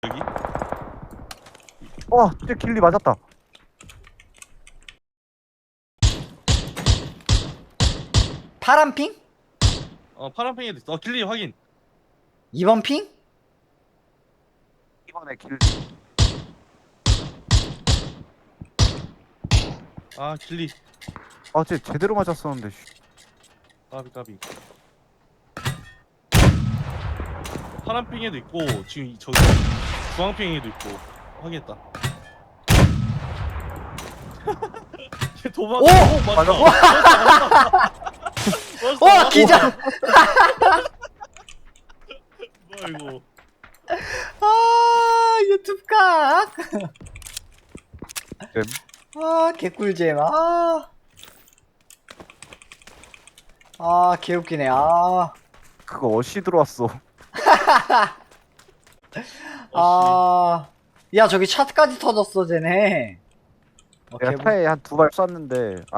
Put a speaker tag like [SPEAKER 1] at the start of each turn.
[SPEAKER 1] 여기?
[SPEAKER 2] 진짜 길리 맞았다.
[SPEAKER 3] 파란 핑?
[SPEAKER 1] 파란팽이도 있어. 길리 확인.
[SPEAKER 3] 2번 핑?
[SPEAKER 2] 이번에 길리.
[SPEAKER 1] 길리.
[SPEAKER 2] 쟤 제대로 맞았었는데.
[SPEAKER 1] 까비. 파란팽이도 있고 지금 저기 주황팽이도 있고 확인했다. 걔 도망.
[SPEAKER 3] 오!
[SPEAKER 1] 맞아.
[SPEAKER 3] 와 기자!
[SPEAKER 1] 뭐야 이거?
[SPEAKER 3] 아 유튜브 각!
[SPEAKER 2] 잼.
[SPEAKER 3] 개꿀잼. 개웃기네.
[SPEAKER 2] 그거 어시 들어왔어.
[SPEAKER 3] 야 저기 차트까지 터졌어 쟤네.
[SPEAKER 2] 내가 차에 한 2발 쐈는데